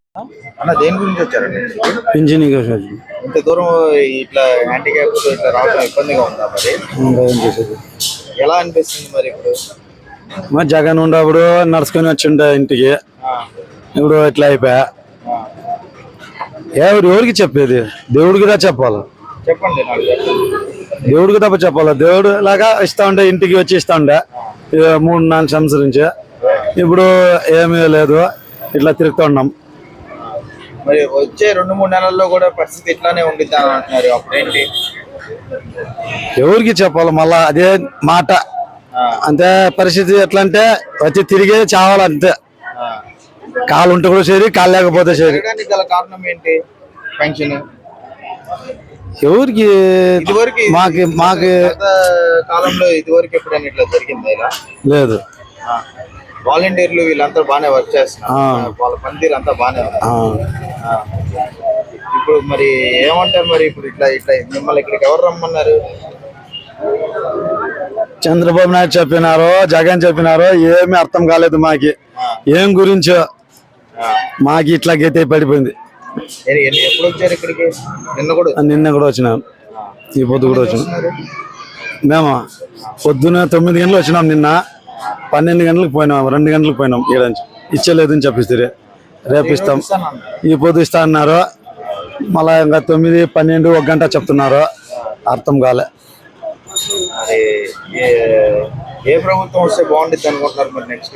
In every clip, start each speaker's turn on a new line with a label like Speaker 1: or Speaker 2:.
Speaker 1: అన్న దేని గురించి వచ్చారండి?
Speaker 2: ఇంజనీరింగ్ వచ్చారు.
Speaker 1: ఇంత దూరం ఇట్లా హ్యాండిక్యాప్ ఇట్లా రావడం ఇబ్బందిగా ఉందా మరి?
Speaker 2: ఏం చేసేది?
Speaker 1: ఎలా అనిపిస్తుంది మరి ఇప్పుడు?
Speaker 2: మరి జగన్ ఉండప్పుడు నడుచుకొని వచ్చిండే ఇంటికి, ఇప్పుడు ఇట్లా అయిపోయా. ఎవరికి చెప్పేది? దేవుడికి దా చెప్పాలి.
Speaker 1: చెప్పండి నాకు.
Speaker 2: దేవుడికి తప్ప చెప్పాలి. దేవుడు లాగా ఇస్తా ఉండే, ఇంటికి వచ్చి ఇస్తా ఉండే 3-4 సంవత్సరం నుంచి. ఇప్పుడు ఏమీ లేదు, ఇట్లా తిరుగుతూ ఉన్నాం.
Speaker 1: మరి వచ్చే 2-3 నెలల్లో కూడా పరిస్థితి ఇట్లానే ఉండిద్దా అని అంటున్నారు. అప్పుడేంటి?
Speaker 2: ఎవరికి చెప్పాలి? మళ్ళా అదే మాట. అంతే పరిస్థితి. ఎట్లా అంటే వచ్చి తిరిగే చావాలంతే. కాలు ఉంటే కూడా సరి, కాలు లేకపోతే సరి.
Speaker 1: గల కారణం ఏంటి? పెన్షన్
Speaker 2: ఎవరికి?
Speaker 1: ఇదివరకు
Speaker 2: మాకు
Speaker 1: కాలంలో ఇదివరకు ఎప్పుడైనా ఇట్లా జరిగిందా?
Speaker 2: లేదు.
Speaker 1: వాలంటీర్లు వీళ్ళంతా బాగానే వర్క్ చేస్తున్నారు, వాళ్ళ పనితీరు అంతా బాగానే ఉంది. ఇప్పుడు మరి ఏమంటారు మరి? ఇప్పుడు ఇట్లా ఇట్లా మిమ్మల్ని ఇక్కడికి ఎవరు రమ్మన్నారు?
Speaker 2: చంద్రబాబు నాయుడు చెప్పినారో, జగన్ చెప్పినారో ఏమీ అర్థం కాలేదు మాకి. ఏం గురించో మాకి ఇట్లా గతే పడిపోయింది.
Speaker 1: ఎప్పుడు వచ్చారు ఇక్కడికి?
Speaker 2: నిన్న కూడా వచ్చినాం, ఈ పొద్దు కూడా వచ్చినాం. మేము పొద్దున 9 గంటలు వచ్చినాం. నిన్న 12 గంటలకు పోయినాం, 2 గంటలకు పోయినాం. ఏడంచి ఇచ్చలేదని చెప్పిస్తే రేపు ఇస్తాం, ఈ పొద్దు ఇస్తా అన్నారు. మళ్ళా ఇంకా 9, 12, 1 గంట చెప్తున్నారు. అర్థం కాలే.
Speaker 1: ఏ ప్రభుత్వం వస్తే బాగుంటుంది అనుకుంటున్నారు మరి నెక్స్ట్?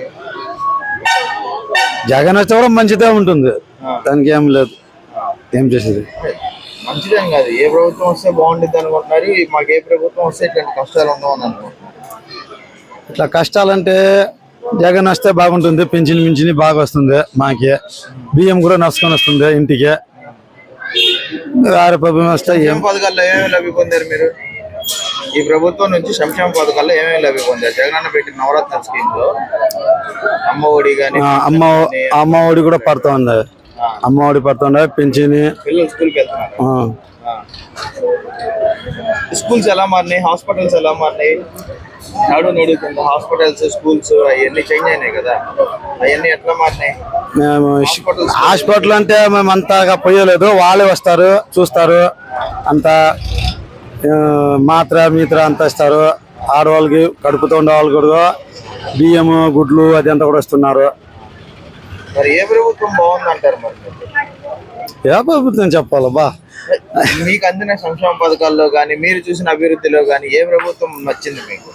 Speaker 2: జగన్ వస్తే కూడా మంచిదే ఉంటుంది, దానికి ఏం లేదు. ఏం చేసేది?
Speaker 1: మంచిదని కాదు, ఏ ప్రభుత్వం వస్తే బాగుంటుంది అనుకుంటున్నారు. మాకు ఏ ప్రభుత్వం వస్తే ఇట్లాంటి కష్టాలు ఉండవు అని అనుకుంటున్నారు.
Speaker 2: ఇట్లా కష్టాలంటే జగన్ వస్తే బాగుంటుంది. పింఛని బాగా వస్తుంది మాకి. బియ్యం కూడా నడుచుకొని వస్తుంది ఇంటికి. ప్రభుత్వం వస్తే ఏం
Speaker 1: పథకాల్లో ఏమేమి లబ్ధి పొందారు మీరు? ఈ ప్రభుత్వం నుంచి సంక్షేమ పథకాల్లో ఏమేమి లబ్ధి పొందారు? జగన్ పెట్టిన నవరత్న స్కీమ్ లో అమ్మ ఒడి కానీ,
Speaker 2: అమ్మ ఒడి కూడా పడుతూ ఉంది. అమ్మ ఒడి పడుతూ ఉండే, పింఛని.
Speaker 1: పిల్లలు స్కూల్కి వెళ్తున్నారు. స్కూల్స్ ఎలా మారినాయి? హాస్పిటల్స్ ఎలా మారినాయి? నడుతుంది హాస్పిటల్స్, స్కూల్స్ అవన్నీ చేంజ్ అయినాయి కదా, అవన్నీ ఎట్లా మారినాయి?
Speaker 2: మేము హాస్పిటల్ అంటే మేము అంతగా పోయలేదు. వాళ్ళే వస్తారు, చూస్తారు. అంతా మాత్ర అంతా ఇస్తారు. ఆడవాళ్ళకి కడుపుతూ ఉండే వాళ్ళు కూడా బియ్యం, గుడ్లు అది అంతా కూడా ఇస్తున్నారు.
Speaker 1: మరి ఏ ప్రభుత్వం బాగుంది అంటారు? మరి
Speaker 2: ఏ ప్రభుత్వం చెప్పాలబ్బా?
Speaker 1: మీకు అందిన సంక్షేమ పథకాల్లో కానీ, మీరు చూసిన అభివృద్ధిలో కానీ ఏ ప్రభుత్వం నచ్చింది మీకు?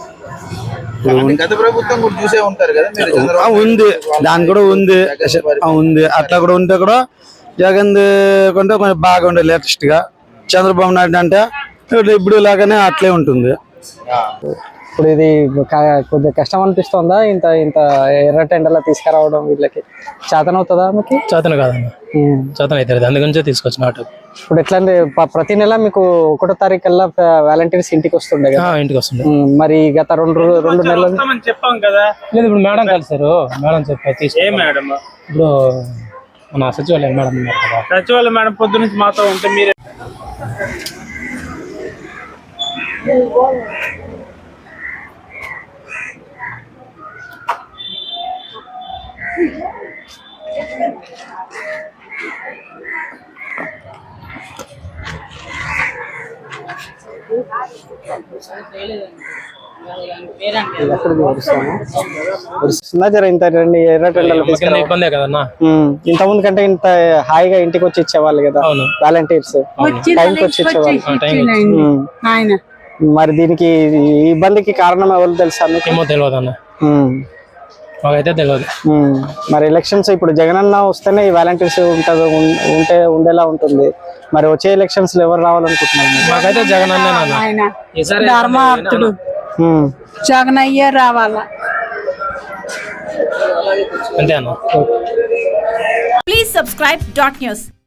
Speaker 1: గత ప్రభుత్వం కూడా చూసే ఉంటారు కదా మీరు.
Speaker 2: ఉంది, దాని కూడా ఉంది. అట్లా కూడా ఉంటే కూడా జగన్ కొంటే కొంచెం బాగా ఉండే లేటెస్ట్ గా. చంద్రబాబు నాయుడు అంటే ఇప్పుడు లాగానే అట్లే ఉంటుంది.
Speaker 3: ఇప్పుడు ఇది కొద్దిగా కష్టం అనిపిస్తుందా? ఇంత ఎర్ర టెండర్లా తీసుకురావడం వీళ్ళకి చేతనవుతుందా? మీకు
Speaker 4: చేతన కాదన్న, చేతన అవుతుంది. అందుగురించే తీసుకొచ్చిన ఆటో.
Speaker 3: ఇప్పుడు ఎట్లా అంటే ప్రతి నెల మీకు 1వ తారీఖు కల్లా వాలంటీర్స్ ఇంటికి వస్తుండే కదా?
Speaker 4: ఇంటికి వస్తుండే.
Speaker 3: మరి గత రెండు నెలలు
Speaker 4: చెప్పాం కదా. లేదు, ఇప్పుడు మేడం కలిసారు. మేడం చెప్పారు తీసుకు. ఇప్పుడు మన సచివాలయం మేడం ఉన్నారు కదా, సచివాలయం మేడం పొద్దు నుంచి మాతో ఉంటే మీరే.
Speaker 3: ఇంత ఎర్ర టెండర్లు
Speaker 4: ఇబ్బందే కదన్నా.
Speaker 3: ఇంత ముందు కంటే ఇంత హాయిగా ఇంటికి వచ్చి ఇచ్చేవాళ్ళు కదా వాలంటీర్స్, టైంకి వచ్చి ఇచ్చేవాళ్ళు. మరి దీనికి ఇబ్బందికి కారణం ఎవరు తెలుసా?
Speaker 4: ఏమో తెలియదు అన్న, మాకైతే తెలియదు.
Speaker 3: మరి ఎలక్షన్స్ ఇప్పుడు జగనన్న వస్తేనే ఈ వాలంటీర్స్ ఉండేలా ఉంటుంది. మరి వచ్చే ఎలక్షన్స్ లో ఎవరు రావాలనుకుంటున్నారు?
Speaker 4: మాకైతే జగనన్న
Speaker 5: ధర్మార్థుడు, జగనయ్య రావాలా
Speaker 4: అంతే అన్న.
Speaker 6: Please subscribe .news.